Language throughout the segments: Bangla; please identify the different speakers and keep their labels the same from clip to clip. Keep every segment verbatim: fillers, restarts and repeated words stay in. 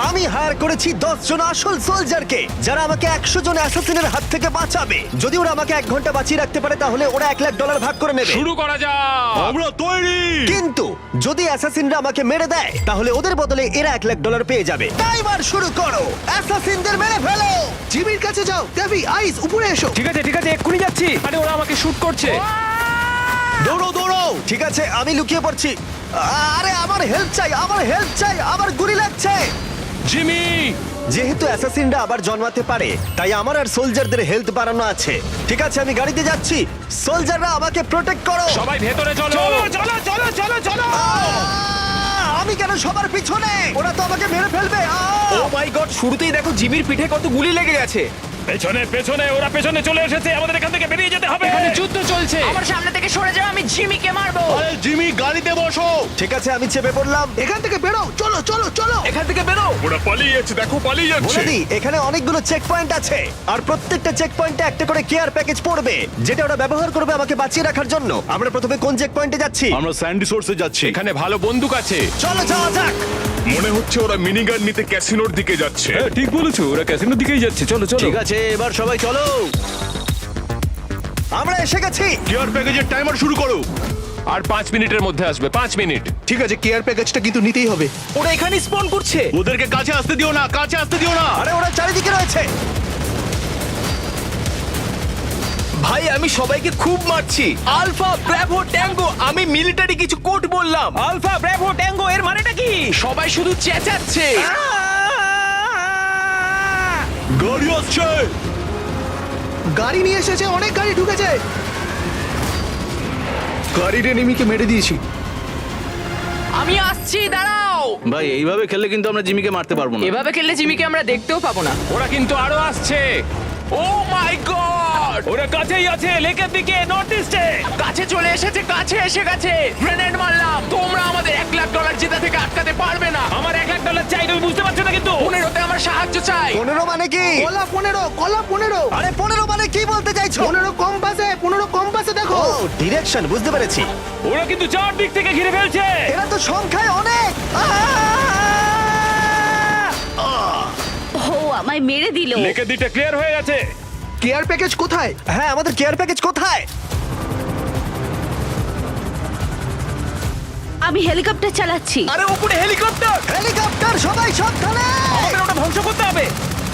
Speaker 1: আমি হায়ার করেছি দশ জন আসল সোলজারকে যারা আমাকে একশো জন অ্যাসাসিনের হাত থেকে বাঁচাবে। যদি ওরা আমাকে এক ঘন্টা বাঁচিয়ে রাখতে পারে তাহলে ওরা এক লাখ ডলার ভাগ করে নেবে।
Speaker 2: শুরু করা যাক।
Speaker 3: আমরা তৈরি।
Speaker 1: কিন্তু যদি অ্যাসাসিনরা আমাকে মেরে দেয় তাহলে ওদের বদলে এরা এক লাখ ডলার পেয়ে যাবে। টাইমার শুরু করো, অ্যাসাসিনদের মেরে ফেলো।
Speaker 4: জিমির কাছে যাও। ক্যাভি, আইস, উপরে এসো।
Speaker 2: ঠিক আছে ঠিক আছে এক্ষুনি যাচ্ছি। আরে ওরা আমাকে শুট করছে।
Speaker 1: দৌড়ো দৌড়ো। ঠিক আছে আমি লুকিয়ে পড়ছি। আরে আমার হেল্প চাই, আমার হেল্প চাই, আমার গুলি লাগছে।
Speaker 2: জিমি
Speaker 1: যেহেতু অ্যাসাসিনরা আবার জন্মাতে পারে তাই আমার আর সোলজারদের হেলথ বাড়ানো আছে। ঠিক আছে আমি গাড়িতে যাচ্ছি, সোলজাররা আমাকে প্রোটেক্ট করো।
Speaker 2: সবাই ভেতরে চলো।
Speaker 4: চলো চলো চলো চলো।
Speaker 1: আহ! আমি কেন সবার পিছনে? ওরা তো আমাকে মেরে ফেলবে। আহ!
Speaker 4: ও মাই গড, শুরুতেই দেখো জিমির পিঠে কত গুলি লেগে গেছে।
Speaker 2: পেছনে পেছনে ওরা পেছনে চলে এসেছে। আমাদের এখান থেকে বেরিয়ে যেতে হবে। এখানে যুদ্ধ চলছে।
Speaker 5: আমার সামনে থেকে সরে যাও, আমি জিমিকে মারবো।
Speaker 3: আরে জিমি গাড়িতে বসো।
Speaker 1: ঠিক আছে আমি চেপে পড়লাম।
Speaker 4: এখান থেকে বেরো, চলো চলো চলো। এখান থেকে বেরো।
Speaker 2: ওরা পালিয়ে যাচ্ছে, দেখো পালিয়ে যাচ্ছে।
Speaker 1: বলে দিই, এখানে অনেকগুলো চেক পয়েন্ট আছে আর প্রত্যেকটা চেক পয়েন্টে একটা করে কেয়ার প্যাকেজ পড়বে যেটা ওরা ব্যবহার করবে আমাকে বাঁচিয়ে রাখার জন্য। আমরা প্রথমে কোন চেক পয়েন্টে যাচ্ছি?
Speaker 3: আমরা স্যান্ডি সোর্সে যাচ্ছি।
Speaker 2: এখানে ভালো বন্দুক আছে।
Speaker 1: চলো যাওয়া যাক।
Speaker 6: মনে হচ্ছে ওরা মিনিগান নিতে ক্যাসিনোর দিকে যাচ্ছে।
Speaker 2: হ্যাঁ ঠিক বলেছো, ওরা ক্যাসিনোর দিকেই যাচ্ছে। চলো চলো।
Speaker 3: ঠিক আছে এবার সবাই চলো।
Speaker 1: আমরা এসে গেছি।
Speaker 3: কেয়ার প্যাকেজের টাইমার শুরু করো।
Speaker 2: আর পাঁচ মিনিটের মধ্যে আসবে। পাঁচ মিনিট।
Speaker 4: ঠিক আছে, কেয়ার প্যাকেজটা কিন্তু নিতেই হবে। ওরা এখানে স্পন করছে।
Speaker 3: ওদেরকে কাছে আসতে দিও না, কাছে আসতে দিও না।
Speaker 1: আরে ওরা চারিদিকে রয়েছে।
Speaker 4: ভাই আমি সবাইকে খুব মারছি। আলফা ব্র্যাভো ট্যাঙ্গো, আমি মিলিটারি কিছু কোড বললাম। আলফা ব্র্যাভো ট্যাঙ্গো এর মানেটা কি? সবাই শুধু চেঁচাচ্ছে।
Speaker 3: গাড়ি আসছে।
Speaker 4: গাড়ি নিয়ে এসেছে, অনেক গাড়ি ঢুকেছে। গাড়ির এনিমিকে মেরে দিয়েছি।
Speaker 5: আমি আসছি, দাঁড়াও।
Speaker 3: ভাই এইভাবে খেললে কিন্তু আমরা জিমিকে মারতে পারবো না।
Speaker 5: এভাবে খেললে জিমিকে আমরা দেখতেও পাবো না।
Speaker 2: ওরা কিন্তু আরো আসছে। ও মাই গড, ওরা কাছেই আছে, লেকের দিকে, নর্থ ইস্টে।
Speaker 5: কাছে চলে এসেছে, কাছে এসে গেছে। গ্রেনেড মারলাম। তোমরা আমাদের এক লাখ ডলার জেতা থেকে আটকাতে পারবে না।
Speaker 2: আমার এক লাখ ডলার চাই, তুমি বুঝতে পারছো না কিন্তু।
Speaker 5: পনেরোতে আমার সাহায্য চাই।
Speaker 1: পনেরো মানে কি?
Speaker 4: কলা পনেরো, কলা পনেরো।
Speaker 1: আরে পনেরো মানে কি বলতে চাইছো?
Speaker 4: পনেরো কম্পাসে, পনেরো কম্পাসে দেখো।
Speaker 1: ও ডিরেকশন বুঝতে পেরেছি।
Speaker 2: ওরা কিন্তু চার দিক থেকে ঘিরে ফেলছে।
Speaker 1: এরা তো সংখ্যায় অনেক।
Speaker 7: ও আমায় মেরে দিল।
Speaker 2: লেকের দিকটা ক্লিয়ার হয়ে গেছে।
Speaker 4: কেয়ার প্যাকেজ কোথায়?
Speaker 1: হ্যাঁ আমাদের কেয়ার প্যাকেজ কোথায়?
Speaker 7: আমি হেলিকপ্টার চালাচ্ছি।
Speaker 4: আরে উপরে হেলিকপ্টার।
Speaker 1: হেলিকপ্টার, সবাই সাবধানে।
Speaker 4: আমাদের ওটা ধ্বংস করতে হবে।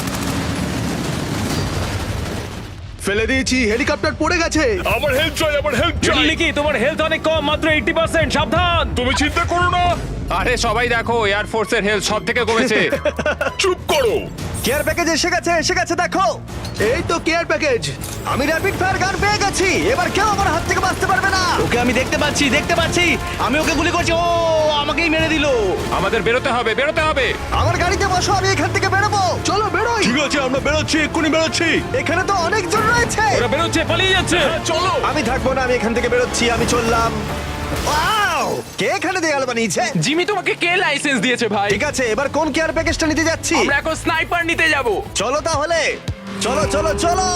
Speaker 4: ফেলে দিয়েছি, হেলিকপ্টার পড়ে গেছে।
Speaker 6: আমার হেল্প চাই, আমার হেল্প চাই।
Speaker 2: লিকি তোমার হেলথ অনেক কম, মাত্র এইটি পার্সেন্ট। সাবধান।
Speaker 6: তুমি চিন্তা করো না।
Speaker 2: আরে সবাই দেখো, এয়ার ফোর্সের হেলথ সব থেকে কমেছে।
Speaker 6: চুপ করো।
Speaker 1: কেয়ার প্যাকেজ এসে গেছে, এসে গেছে দেখো।
Speaker 4: এই তো কেয়ার প্যাকেজ।
Speaker 1: আমি র্যাপিড ফায়ার গান পেয়ে গেছি। এবার কেউ আমার হাত থেকে বাঁচতে পারবে না।
Speaker 3: ওকে আমি দেখতে পাচ্ছি, দেখতে পাচ্ছি। আমি ওকে গুলি করছি, ও আমাকেই মেরে দিল।
Speaker 2: আমাদের বেরোতে হবে, বেরোতে হবে।
Speaker 1: আমার গাড়িতে বসো, আমি এখান থেকে বেরোবো।
Speaker 4: চলো বেরোই।
Speaker 3: ঠিক আছে আমরা বেরোচ্ছি, এক্ষুনি বেরোচ্ছি।
Speaker 1: এখানে তো অনেকজন রয়েছে।
Speaker 2: ওরা বেরোচ্ছে, পালিয়ে যাচ্ছে।
Speaker 6: চলো।
Speaker 1: আমি থাকবো না, আমি এখান থেকে বেরোচ্ছি, আমি চললাম। ওয়াও! কে এখানে দেয়াল বানিয়েছে?
Speaker 5: জিমি তোমাকে কে লাইসেন্স দিয়েছে ভাই?
Speaker 1: ঠিক আছে এবার কোন কেয়ার প্যাকেজটা নিতে যাচ্ছি?
Speaker 5: আমরা এখন স্নাইপার নিতে যাব।
Speaker 1: চলো তাহলে, চলো চলো চলো।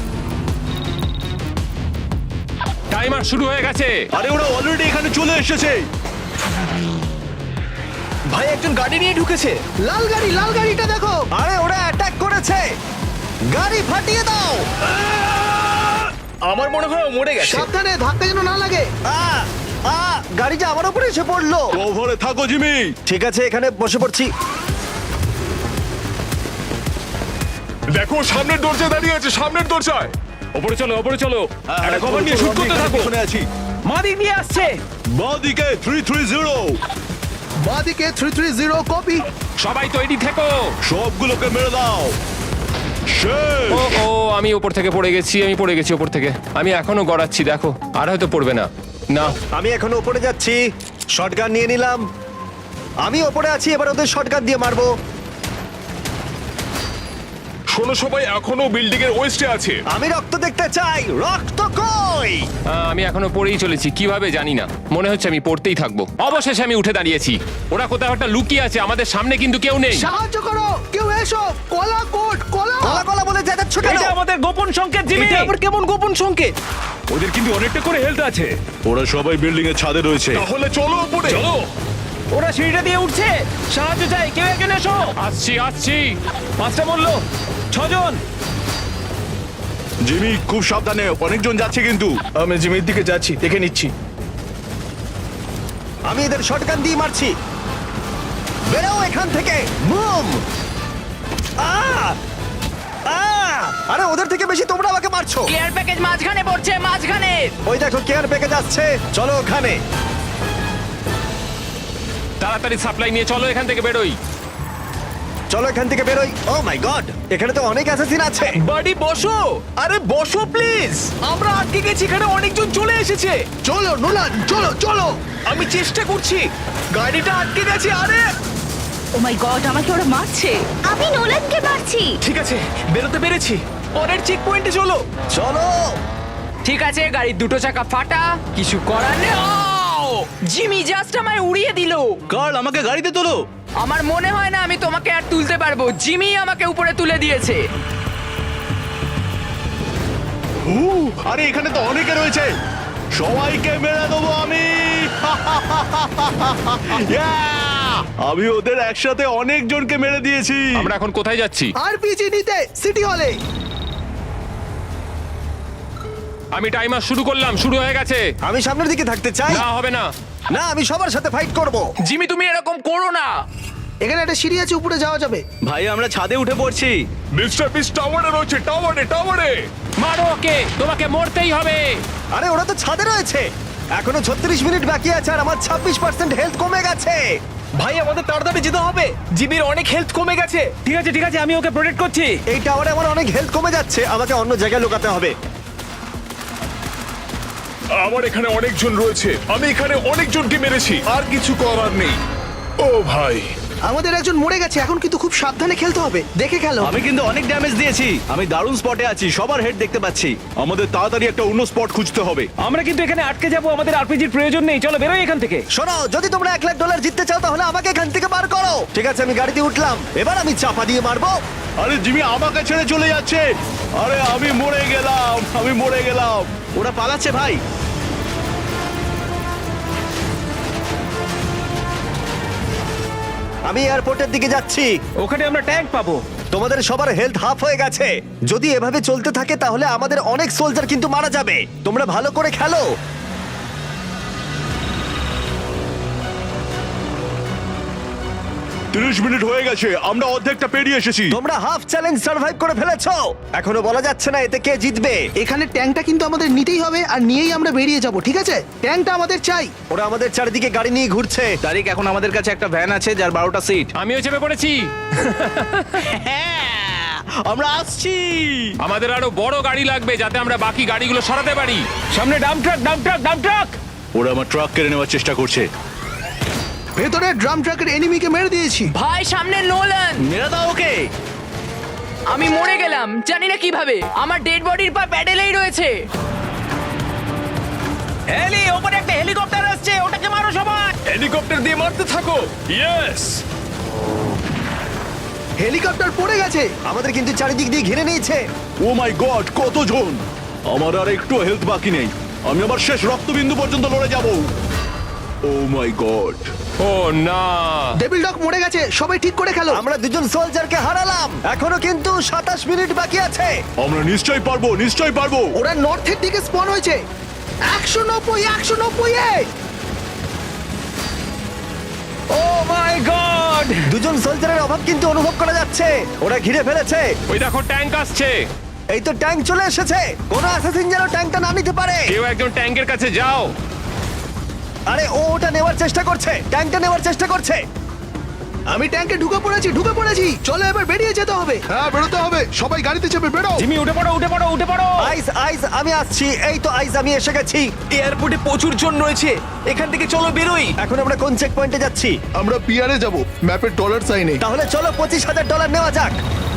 Speaker 2: টাইমার শুরু হয়ে গেছে।
Speaker 3: আরে ওরা অলরেডি এখানে চলে এসেছে।
Speaker 4: ভাই একজন গাড়ি নিয়ে ঢুকেছে। লাল গাড়ি, লাল গাড়িটা দেখো।
Speaker 1: আরে ওরা অ্যাটাক করেছে, গাড়ি ফাটিয়ে দাও।
Speaker 4: আমার মনে হয় ও মরে গেছে। সাবধানে, ধাক্কা যেন না লাগে।
Speaker 1: আ আ গাড়িটা আমার উপরে এসে পড়লো।
Speaker 3: ওভারে থাকো জিমি।
Speaker 1: ঠিক আছে এখানে বসে পড়ছি।
Speaker 6: দেখো সামনের দরজায় দাঁড়িয়ে আছে, সামনের দরজায়।
Speaker 2: ওপরে চলো, ওপরে চলো। একটা কভার নিয়ে শুট করতে থাকো।
Speaker 3: শুনে আছি।
Speaker 4: মাদিক নিয়ে আসছে।
Speaker 3: বাঁদিকে থ্রি থ্রি জিরো।
Speaker 4: বাদিকে থ্রি থ্রি জিরো কপি।
Speaker 2: সবাই তৈরি থেকো।
Speaker 3: সবগুলোকে মেরে দাও। শেষ।
Speaker 2: ও ও আমি উপর থেকে পড়ে গেছি, আমি পড়ে গেছি উপর থেকে। আমি এখনো গড়াচ্ছি, দেখো। আর হয়তো পড়বে না। না
Speaker 1: আমি এখন উপরে যাচ্ছি, শটগান নিয়ে নিলাম। আমি উপরে আছি, এবার ওদের শটগান দিয়ে মারবো।
Speaker 6: শোনো সবাই, এখনো বিল্ডিং এর ওয়েস্টে আছে।
Speaker 1: আমি রক্ত দেখতে চাই, রক্ত কই?
Speaker 2: আহ, আমি এখনো পড়েই চলেছি, কিভাবে জানি না। মনে হচ্ছে আমি পড়তেই থাকবো। অবশেষে আমি উঠে দাঁড়িয়েছি। ওরা কোথাও একটা লুকিয়ে আছে, আমাদের সামনে কিন্তু কেউ নেই।
Speaker 4: সাহায্য করো, কেউ এসো। কলা কোট, কলা।
Speaker 1: কলা কলা বলে চেঁচাচ্ছ কেন?
Speaker 2: এটা আমাদের গোপন সংকেত, জিমি।
Speaker 4: এটা আবার কেমন গোপন সংকেত?
Speaker 2: ওদের কিন্তু অনেকটা করে হেলথ আছে।
Speaker 3: ওরা সবাই বিল্ডিং এর ছাদে রয়েছে।
Speaker 6: তাহলে চলো উপরে।
Speaker 2: চলো।
Speaker 4: ওরা সিঁড়িটা দিয়ে উঠছে, সাহায্য চাই, কেউ একজন এসো।
Speaker 2: আসছি আসছি
Speaker 4: পাঁচটা বললো, ছজন।
Speaker 3: জিমি খুব সাবধানে, অনেকজন যাচ্ছে কিন্তু।
Speaker 4: আমি জিমির দিকে যাচ্ছি, দেখে নিচ্ছি।
Speaker 1: আমি এদের শটগান দিয়ে মারছি। বেরো এখান থেকে, মুভ! আহ! আহ! আরে ওদের থেকে বেশি তোমরা আমাকে মারছো।
Speaker 5: কেয়ার প্যাকেজ মাঝখানে পড়ছে, মাঝখানে।
Speaker 1: ওই দেখো কেয়ার প্যাকেজ আসছে, চলো ওখানে।
Speaker 2: তাড়াতাড়ি সাপ্লাই নিয়ে চলো এখান থেকে বেরোই।
Speaker 1: চলো এখান থেকে বেরোই। ও মাই গড, এখানে তো অনেক অ্যাসাসিন আছে।
Speaker 4: বাড়ি বসো, আরে বসো প্লিজ। আমরা আটকে গেছি, এখানে অনেকজন চলে এসেছে।
Speaker 1: চলো নোলান, চলো চলো।
Speaker 4: আমি চেষ্টা করছি, গাড়িটা আটকে গেছে। আরে
Speaker 7: ও মাই গড, আমাকে ওরা মারছে। আমি নোলানকে মারছি।
Speaker 4: ঠিক আছে, বেরোতে পেরেছি। পরের চেক পয়েন্টে চলো।
Speaker 1: চলো।
Speaker 5: ঠিক আছে, গাড়ির দুটো চাকা ফাটা, কিছু করার নেই। ও! জিমি জাস্ট আমায় উড়িয়ে দিল।
Speaker 3: কার্ল, আমাকে গাড়িতে তোলো।
Speaker 5: আমার মনে হয় না আমি তোমাকে আর তুলতে পারবো। জিমি আমাকে উপরে তুলে দিয়েছে।
Speaker 3: উ, আরে এখানে তো অনেকে রয়েছে, সবাইকে মেরে দেবো আমি। Yeah! আমি ওদের একসাথে অনেক জনকে মেরে দিয়েছি।
Speaker 2: আমরা এখন কোথায় যাচ্ছি?
Speaker 1: আরপিজি নিতে সিটি হলে।
Speaker 2: আমি টাইমার শুরু করলাম, শুরু হয়ে গেছে।
Speaker 1: আমি সামনের দিকে থাকতে চাই।
Speaker 2: না হবে না।
Speaker 1: না, আমি সবার সাথে ফাইট করব।
Speaker 5: জিমি তুমি এরকম করো না।
Speaker 1: এখানে একটা সিঁড়ি আছে, উপরে যাওয়া যাবে।
Speaker 3: ভাই আমরা ছাদে উঠে পড়ছি।
Speaker 6: মিস্টার বিস টাওয়ারে রয়েছে, টাওয়ারে টাওয়ারে।
Speaker 2: মারো ওকে, তোমাকে মরতেই হবে।
Speaker 1: আরে ওরা তো ছাদে রয়েছে। এখনো ছত্রিশ মিনিট বাকি আছে আর আমার ছাব্বিশ পার্সেন্ট হেলথ কমে গেছে।
Speaker 4: ভাই আমাদের তাড়াতাড়ি যেতে হবে, জিমির অনেক হেলথ কমে গেছে। ঠিক আছে ঠিক আছে, আমি ওকে প্রোটেক্ট করছি।
Speaker 1: এই টাওয়ারে আমার অনেক হেলথ কমে যাচ্ছে, আমাকে অন্য জায়গায় লুকাতে হবে।
Speaker 6: আমার এখানে অনেকজন রয়েছে, আমি এখানে অনেকজনকে মেরেছি, আর কিছু করার নেই। ও ভাই,
Speaker 8: আমাদের একজন মরে গেছে, এখন কিন্তু খুব সাবধানে খেলতে হবে, দেখে খেলো।
Speaker 3: আমি কিন্তু অনেক ড্যামেজ দিয়েছি, আমি দারুণ স্পটে আছি, সবার হেড দেখতে পাচ্ছি। আমাদের তাড়াতাড়ি একটা অন্য স্পট খুঁজতে হবে।
Speaker 4: আমরা কিন্তু এখানে আটকে যাবো, আমাদের আরপিজির প্রয়োজন নেই। চলো বেরোই এখান থেকে।
Speaker 1: শোনো, যদি তোমরা এক লাখ ডলার জিততে চাও তাহলে আমাকে এখান থেকে বার করো। ঠিক আছে, আমি গাড়িতে উঠলাম, এবার আমি চাপা দিয়ে মারবো।
Speaker 3: আরে জিমি আমাকে ছেড়ে চলে যাচ্ছে। আরে আমি মরে গেলাম, আমি মরে গেলাম। ওরা পালাচ্ছে ভাই।
Speaker 1: আমি এয়ারপোর্টের দিকে যাচ্ছি।
Speaker 4: ওখানে আমরা ট্যাঙ্ক পাবো।
Speaker 1: তোমাদের সবার হেলথ হাফ হয়ে গেছে। যদি এভাবে চলতে থাকে তাহলে আমাদের অনেক সোলজার কিন্তু মারা যাবে। তোমরা ভালো করে খেলো।
Speaker 3: তিরিশ মিনিট হয়ে গেছে, আমরা অর্ধেকটা পেরিয়ে এসেছি।
Speaker 1: তোমরা হাফ চ্যালেঞ্জ সার্ভাইভ করে ফেলেছো। এখনো বলা যাচ্ছে না এতে কে জিতবে।
Speaker 8: এখানে ট্যাঙ্কটা কিন্তু আমাদের নিতেই হবে, আর নিয়েই আমরা বেরিয়ে যাব, ঠিক আছে? ট্যাঙ্কটা আমাদের চাই।
Speaker 1: ওরা আমাদের চারিদিকে গাড়ি নিয়ে ঘুরছে।
Speaker 3: তারিখ, এখন আমাদের কাছে একটা ভ্যান আছে যার বারোটা সিট।
Speaker 2: আমিও চেপে পড়েছি।
Speaker 3: আমরা আসছি।
Speaker 2: আমাদের আরো বড় গাড়ি লাগবে যাতে আমরা বাকি গাড়িগুলো সরাতে পারি।
Speaker 4: সামনে dump truck, dump truck, dump truck.
Speaker 3: ওরা আমার ট্রাক কেড়ে নেওয়ার চেষ্টা করছে।
Speaker 8: ভেতরে ড্রাম ট্রাকের এনিমিকে মেরে দিয়েছি।
Speaker 5: ভাই সামনে নোলান।
Speaker 3: মেরে দাও ওকে।
Speaker 5: আমি মরে গেলাম, জানি না কিভাবে। আমার ডেড বডির পা প্যাডেলেই রয়েছে।
Speaker 4: হেলি, ওপরে একটা হেলিকপ্টার আসছে, ওটাকে মারো সবাই।
Speaker 6: হেলিকপ্টার দিয়ে মারতে থাকো। ইয়েস।
Speaker 8: হেলিকপ্টার পড়ে গেছে।
Speaker 1: আমাদের কিন্তু চারিদিক দিয়ে ঘিরে নিয়েছে।
Speaker 3: ও মাই গড, কতজন! আমার আর একটু হেলথ বাকি নেই, আমি আমার শেষ রক্তবিন্দু পর্যন্ত লড়ে যাব। ও মাই গড।
Speaker 2: ও না,
Speaker 8: ডেভিল ডগ মরে গেছে, সবাই ঠিক করে খেলো।
Speaker 1: আমরা দুজন সোলজারকে হারালাম। এখনো কিন্তু সাতাশ মিনিট বাকি আছে।
Speaker 3: আমরা নিশ্চয়ই পারবো, নিশ্চয়ই পারবো।
Speaker 8: ওরা নর্থের দিকে স্পন হয়েছে। একশো নব্বই, একশো নব্বই এ।
Speaker 4: ও মাই গড!
Speaker 1: দুজন সোলজারের অভাব কিন্তু অনুভব করা যাচ্ছে। ওরা ঘিরে ফেলেছে।
Speaker 2: ওই দেখো ট্যাঙ্ক আসছে।
Speaker 1: এই তো ট্যাঙ্ক চলে এসেছে। কোন অ্যাসাসিন যেন ট্যাঙ্কটা না নিতে পারে।
Speaker 2: কেউ একজন ট্যাঙ্কের কাছে যাও।
Speaker 1: আরে ও ওটা নেওয়ার চেষ্টা করছে, ট্যাঙ্কটা নেওয়ার চেষ্টা করছে।
Speaker 8: আমি ট্যাঙ্কে ঢুকে পড়েছি, ঢুকে পড়েছি। চলো এবার বেরিয়ে যেতে হবে।
Speaker 6: হ্যাঁ, বেরোতে হবে, সবাই গাড়িতে চেপে বেরো।
Speaker 4: জিমি উঠে পড়ো, উঠে পড়ো, উঠে পড়ো।
Speaker 1: আইস আইস আমি আসছি। এই তো আইস, আমি এসে গেছি।
Speaker 4: এয়ারপোর্টে প্রচুর জন রয়েছে, এখান থেকে চলো বেরোই।
Speaker 1: এখন আমরা কোন চেক পয়েন্টে যাচ্ছি?
Speaker 6: আমরা পিয়ারে যাব, ম্যাপের ডলার সাইনে।
Speaker 1: তাহলে চলো পঁচিশ হাজার ডলার নেওয়া যাক।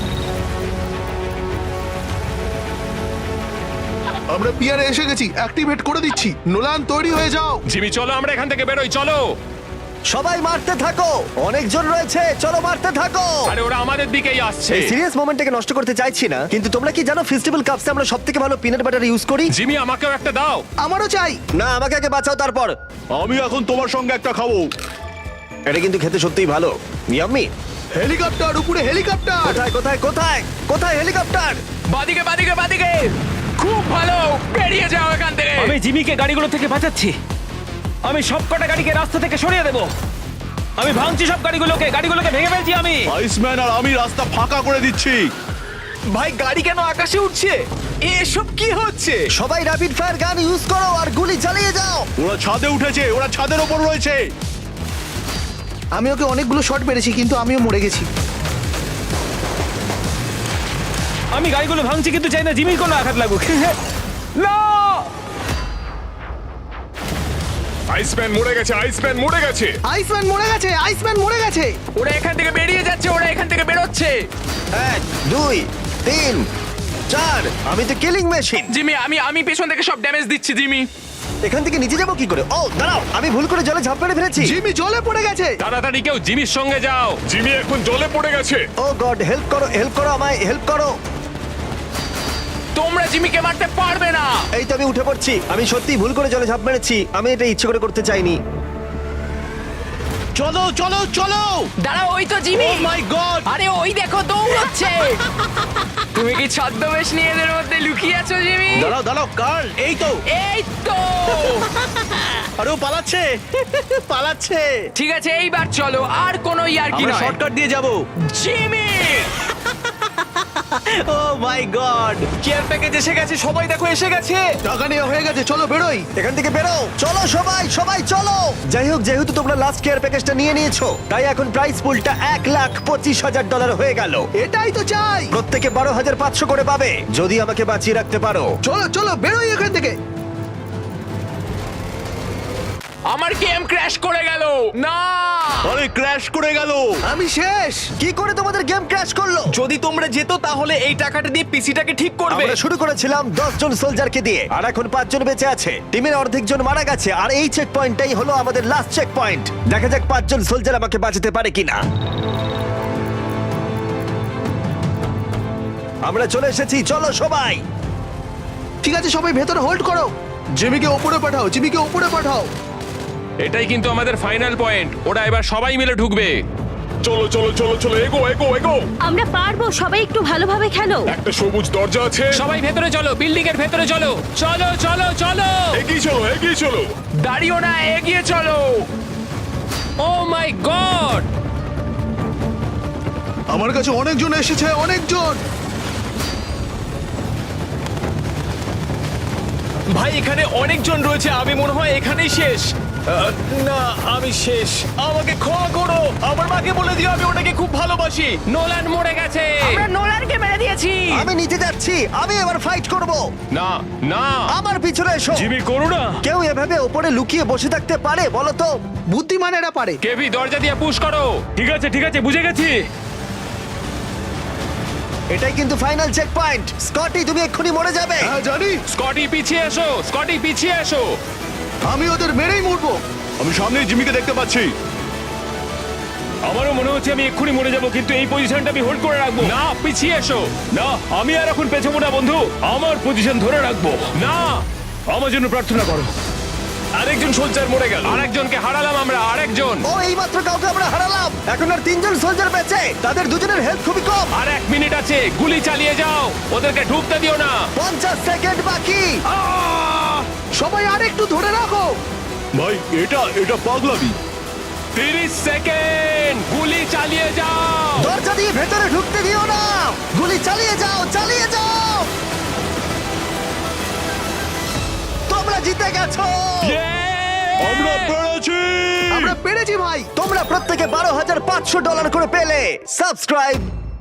Speaker 6: আমরা পিয়ারে এসে গেছি, অ্যাক্টিভেট করে দিচ্ছি। নোলান, তৈরি হয়ে যাও।
Speaker 2: জিমি চলো আমরা এখান থেকে বেরোই, চলো।
Speaker 1: সবাই মারতে থাকো, অনেকজন রয়েছে, চলো মারতে থাকো।
Speaker 2: আরে ওরা আমাদের দিকেই আসছে।
Speaker 1: এই সিরিয়াস মোমেন্টটাকে নষ্ট করতে চাইছি না, কিন্তু তোমরা কি জানো ফেস্টিভ্যাল কাপসে আমরা সবথেকে ভালো পিনাট বাটার ইউজ করি?
Speaker 2: জিমি আমাকেও একটা দাও।
Speaker 8: আমারও চাই।
Speaker 1: না, আমাকে আগে বাঁচাও তারপর।
Speaker 3: আমি এখন তোমার সঙ্গে একটা খাবো।
Speaker 1: এটা কিন্তু খেতে সত্যিই ভালো। ইয়াম্মি।
Speaker 8: হেলিকপ্টার উপরে হেলিকপ্টার।
Speaker 1: কোথায় কোথায় কোথায় কোথায় হেলিকপ্টার?
Speaker 5: বাদিকে বাদিকে বাদিকে খুব ভালো, বেরিয়ে যাও এখান থেকে।
Speaker 4: আমি জিমিকে গাড়িগুলো থেকে বাঁচাচ্ছি। আমি সবকটা গাড়িকে রাস্তা থেকে সরিয়ে দেব। আমি ভাঙছি সব গাড়িগুলোকে, গাড়িগুলোকে ভেঙে ফেলছি আমি।
Speaker 3: আইসম্যান আর আমি রাস্তা ফাঁকা করে দিচ্ছি।
Speaker 4: ভাই গাড়ি কেন আকাশে উঠছে? এসব কি হচ্ছে?
Speaker 1: সবাই র্যাপিড ফায়ার গান ইউজ করো আর গুলি চালিয়ে যাও।
Speaker 3: ওরা ছাদে উঠেছে, ওরা ছাদের ওপর রয়েছে।
Speaker 8: আমি ওকে অনেকগুলো শট মেরেছি কিন্তু আমিও মরে গেছি।
Speaker 4: আমি গাড়িগুলো ভাঙছি কিন্তু চাই না জিমির কোনো আঘাত লাগুক। না!
Speaker 6: আইসম্যান মরে গেছে, আইসম্যান মরে গেছে।
Speaker 8: আইসম্যান মরে গেছে, আইসম্যান মরে গেছে।
Speaker 5: ওরা এখান থেকে বেরিয়ে যাচ্ছে, ওরা এখান থেকে বেরোচ্ছে।
Speaker 1: এক দুই তিন চার। আমি তো কিলিং মেশিন।
Speaker 5: জিমি, আমি আমি পেছন থেকে সব ড্যামেজ দিচ্ছি জিমি।
Speaker 1: এখান থেকে নিচে যাবো কি করে? ও দাঁড়াও, আমি ভুল করে জলে ঝাঁপ মেরে ফেলেছি।
Speaker 8: জিমি জলে পড়ে গেছে।
Speaker 2: তাড়াতাড়ি কেউ জিমির সঙ্গে যাও।
Speaker 6: জিমি এখন জলে পড়ে গেছে।
Speaker 1: ও গড, হেল্প করো, হেল্প করো, আমায় হেল্প করো।
Speaker 5: তোমরা জিমিকে মারতে পারবে না।
Speaker 1: এই তো আমি উঠে পড়ছি। আমি সত্যি ভুল করে জলে ঝাঁপ মেরেছি। আমি এটা ইচ্ছে করে করতে চাইনি।
Speaker 3: চলো চলো চলো।
Speaker 5: দাঁড়াও, ওই তো জিমি।
Speaker 3: Oh my god.
Speaker 5: আরে ওই দেখো দৌড়চ্ছে। তুমি কি ছদ্মবেশ নিয়ে এদের মধ্যে লুকিয়ে আছো জিমি?
Speaker 3: দাঁড়াও দাঁড়াও কার্ল, এই তো।
Speaker 5: এই তো।
Speaker 3: আরে ও পালাচ্ছে পালাচ্ছে।
Speaker 5: ঠিক আছে, এইবার চলো, আর কোনো ইয়ার্কি
Speaker 3: আমরা
Speaker 5: নয়।
Speaker 3: শর্টকাট দিয়ে যাব।
Speaker 5: Jimmy!
Speaker 3: Oh my God.
Speaker 4: Care package এসে গেছে, সবাই দেখো এসে গেছে।
Speaker 8: টাকা নেওয়া হয়ে গেছে, চলো বেরোই।
Speaker 1: এখান থেকে বেরো, চলো সবাই, সবাই চলো। যাই হোক, যেহেতু তোমরা লাস্ট কেয়ার প্যাকেজটা নিয়ে নিয়েছো, তাই এখন প্রাইস পুলটা এক লাখ পঁচিশ হাজার ডলার হয়ে গেল।
Speaker 8: এটাই তো চাই।
Speaker 1: প্রত্যেকে বারো হাজার পাঁচশো করে পাবে যদি আমাকে বাঁচিয়ে রাখতে পারো।
Speaker 8: চলো চলো বেরোই এখান থেকে।
Speaker 5: আমার গেম ক্র্যাশ করে গেল। না!
Speaker 3: আরে ক্র্যাশ করে গেল।
Speaker 8: আমি শেষ।
Speaker 1: কি করে তোমাদের গেম ক্র্যাশ করলো?
Speaker 4: যদি তোমরা যেত তাহলে এই টাকাটা দিয়ে পিসিটাকে ঠিক করবে।
Speaker 1: আমরা শুরু করেছিলাম দশ জন সোলজারকে দিয়ে, আর এখন পাঁচ জন বেঁচে আছে। টিমের অর্ধেক জন মারা গেছে, আর এই চেক পয়েন্টটাই হলো আমাদের লাস্ট চেক পয়েন্ট। দেখা যাক পাঁচজন সোলজার আমাকে বাঁচাতে পারে কিনা। আমরা চলে এসেছি, চলো সবাই।
Speaker 8: ঠিক আছে, সবাই ভেতরে হোল্ড করো। জিমিকে ওপরে পাঠাও, জিমিকে ওপরে পাঠাও।
Speaker 2: এটাই কিন্তু আমাদের ফাইনাল পয়েন্ট। ওরা এবার সবাই মিলে ঢুকবে।
Speaker 6: চলো চলো চলো চলো, এগো এগো এগো।
Speaker 7: আমরা পারবো, সবাই একটু ভালোভাবে খেলো।
Speaker 6: একটা সবুজ দরজা আছে।
Speaker 2: সবাই ভেতরে চলো, বিল্ডিং এর ভেতরে চলো। চলো চলো চলো।
Speaker 6: এগিয়ে চলো এগিয়ে চলো।
Speaker 5: দাঁড়িও না, এগিয়ে চলো।
Speaker 2: Oh my God!
Speaker 8: আমার কাছে অনেকজন এসেছে, অনেকজন।
Speaker 4: ভাই এখানে অনেকজন রয়েছে, আমি মনে হয় এখানেই শেষ। আহ, না আমি শেষ, আমাকে ক্ষমা করো। আমার মাকে বলে দিও আমি ওটাকে খুব ভালোবাসি।
Speaker 2: নোলান মরে গেছে।
Speaker 5: আমরা নোলানকে মেরে দিয়েছি।
Speaker 1: আমি নিচে যাচ্ছি, আমি এবার ফাইট করব।
Speaker 2: না না,
Speaker 1: আমার পিছনে এসো।
Speaker 4: জিমি করো না।
Speaker 1: কেউ এভাবে ওপরে লুকিয়ে বসে থাকতে পারে বলো তো?
Speaker 8: বুদ্ধিমান এরা পারে।
Speaker 2: কেভি দরজা দিয়ে পুশ করো।
Speaker 4: ঠিক আছে ঠিক আছে, বুঝে গেছি।
Speaker 1: এটাই কিন্তু ফাইনাল চেক পয়েন্ট। স্কটি, তুমি এক্ষুনি মরে যাবে।
Speaker 8: হ্যাঁ জানি,
Speaker 2: স্কটি পিছিয়ে এসো, স্কটি পিছিয়ে এসো।
Speaker 8: আমি ওদের মেরেই মরবো।
Speaker 3: আমি সামনে জিমিকে দেখতে পাচ্ছি।
Speaker 4: আমারও মনে হচ্ছে আমি এক্ষুনি মরে যাব, কিন্তু এই পজিশনটা আমি হোল্ড করে রাখবো।
Speaker 2: না, পিছিয়ে এসো।
Speaker 4: না আমি আর এখন পেছাবো না বন্ধু, আমার পজিশন ধরে রাখবো।
Speaker 2: না,
Speaker 4: আমার জন্য প্রার্থনা করো। আরেকজন সোলজার মরে গেল।
Speaker 2: আরেকজনকে হারালাম আমরা, আরেকজন।
Speaker 1: ও এইমাত্র কাউকে আমরা হারালাম। এখন আর তিনজন সোলজার বেঁচে, তাদের দুজনের হেলথ খুবই কম।
Speaker 2: আর এক মিনিট আছে, গুলি চালিয়ে যাও, ওদেরকে ঢুকতে দিও না।
Speaker 1: পঞ্চাশ সেকেন্ড বাকি।
Speaker 8: সবাই আর একটু ধরে রাখো।
Speaker 3: ভাই এটা এটা পাগলামি।
Speaker 2: তিরিশ সেকেন্ড, গুলি চালিয়ে যাও।
Speaker 1: দরজা দিয়ে ভেতরে ঢুকতে দিও না। গুলি চালিয়ে যাও, চালিয়ে যাও। তোমরা জিতে গেছো।
Speaker 3: আমরা পেরেছি।
Speaker 8: আমরা পেরেছি ভাই।
Speaker 1: তোমরা প্রত্যেকে বারো হাজার পাঁচশো ডলার করে পেলে। সাবস্ক্রাইব